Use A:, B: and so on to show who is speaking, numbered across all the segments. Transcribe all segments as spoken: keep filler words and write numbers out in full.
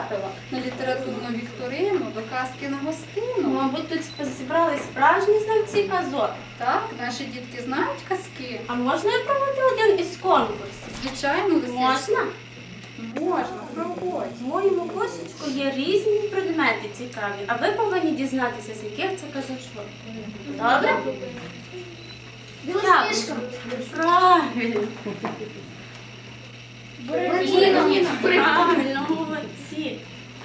A: потрапила на літературну вікторину до казки на гостину.
B: Мабуть, тут зібрали справжні знавці казок.
A: Так, наші дітки знають казки.
B: А можна я проведу один із конкурсів?
A: Звичайно, Лисичко.
B: Можна?
A: Можна, проводь.
B: В моєму кошечку є різні предмети цікаві, а ви повинні дізнатися, з яких це казочок. Добре?
C: Білосніжка.
B: Правильно.
C: Буратіно.
B: Правильно, молодці.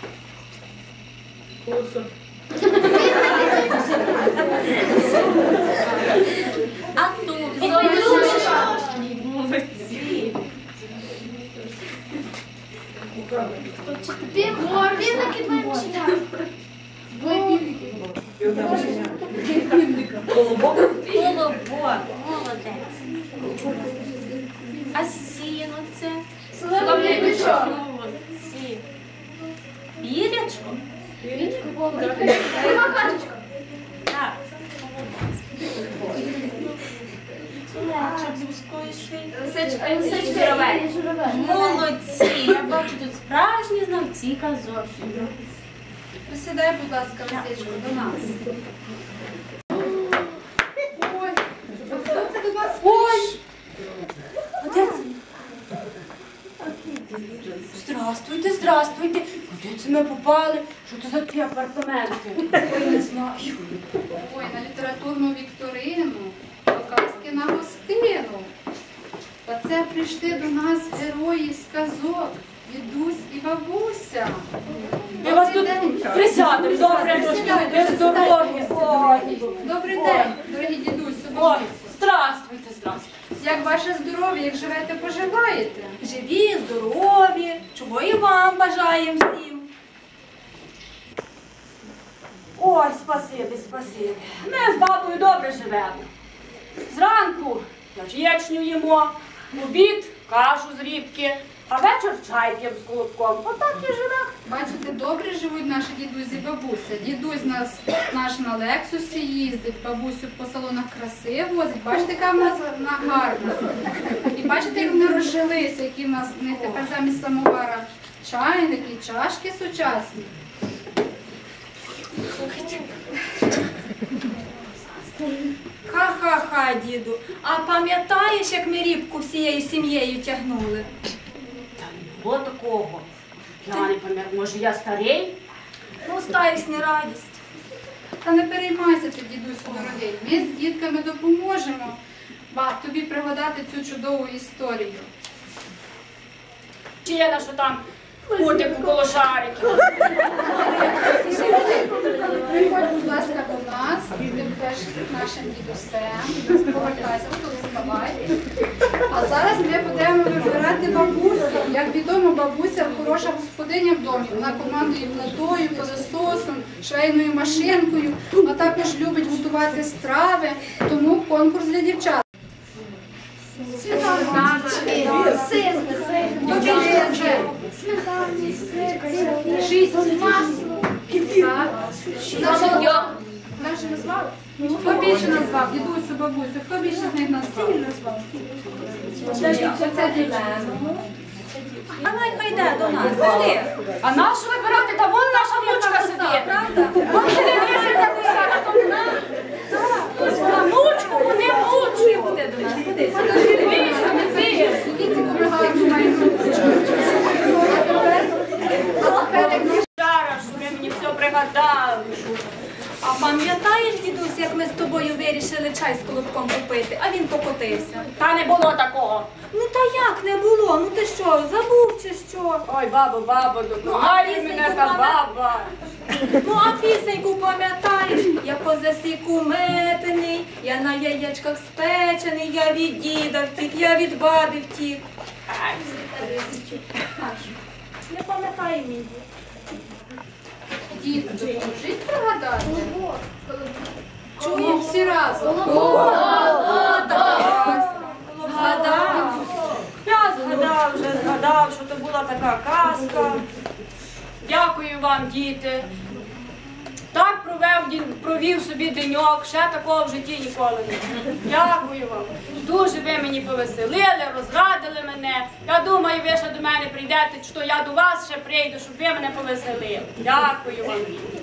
B: А тут? Молодці.
C: Півники бачення.
B: Колобок. Молодець. А сіно це?
C: Солов'їничок.
B: Молодці. Бірячко?
C: Макарочка.
B: Так. Лечок з вузької шиї.
C: Лисичка.
B: Молодці. Я бачу тут справжні знавці казок.
A: Присідай, будь ласка, Лисичко, до нас. Ой, а хто це до нас? Ой!
D: Здравствуйте, здравствуйте. Куди це ми попали? Що це за ті апартаменти?
A: Ой, не знаю. Ой, на літературну вікторину, до казки на гостину. Оце прийшли до нас герої з казок, дідусь і бабуся.
D: Ми вас
A: Добрий
D: тут
A: день.
D: присядемо, добре,
A: Присядьте,
D: ви здорові. Ой,
A: Добрий день, дорогі дідусю,
D: ой,
A: бабусю.
D: здравствуйте, здравствуйте.
A: Як ваше здоров'я, як живете, поживаєте?
D: Живі, здорові, чого і вам бажаємо всім. Ой, спасибі, спасибі. Ми з бабою добре живемо. Зранку ячню їмо, в обід кашу з рібки, а вечір чай п'ємо з колобком. Отак і живемо.
A: Бачите, добре живуть наші дідусь і бабуся. Дідусь нас наш на Лексусі їздить, бабусю по салонах краси возить. Бачите, яка в нас вона гарна. І бачите, як вони розжилися, які в нас в них тепер замість самовара чайники, чашки сучасні.
D: Ха-ха-ха, діду. А пам'ятаєш, як ми рібку всією сім'єю тягнули? Та не було такого. Я не пам'ятаю, може я старий? Ну, старість не радість.
A: Та не переймайся ти, дідусь дорогий. Ми з дітками допоможемо баб, тобі пригадати цю чудову історію.
D: Чи є на що там кутику коло шариків?
A: Приходь, будь ласка, до нас, ти будеш нашим дідусем, повертайся, тут вставай. А зараз ми будемо вибирати бабусю. Як відомо, бабуся хороша господиня в домі. Вона командує плитою, пилососом, швейною машинкою, а також любить готувати страви, тому конкурс для дівчат.
C: Сметана. Сир.
A: Покажи вже. Шість. Так. Наші назвали? Хто більше назвав? Дідусю, бабусю, хто більше з них назвав? Оце дівчина.
D: А найхай йде до нас, ходи. А нашу вибирати, та вон наша внучка сидить. Правда? Вон телевізор такий сяде, то вона. Так. Внучку, вони внучку. Ходи до нас, ходи. Дивіться, не ти. Зараз, що ви мені все пригадали. А пам'ятаєш, дідусь, як ми з тобою вирішили чай з колобком купити, а він покотився? Та не було такого. Ну та як не було? Ну ти що, забув чи що? Ой, бабо, бабо, допомагай мене та баба. Ну а пісеньку пам'ятаєш? Я по засіку метений, я на яєчках спечений, я від діда втік, я від баби втік. Не пам'ятаю мій дід.
A: Діти, допоможіть пригадати. Чуємо всі разом.
D: Згадав. Я згадав вже, згадав, що то була така казка. Дякую вам, діти. Так провів, провів собі деньок, ще такого в житті ніколи не було. Дякую вам. Дуже ви мені повеселили, розрадили мене. Я думаю, ви ще до мене прийдете, що я до вас ще прийду, щоб ви мене повеселили. Дякую вам.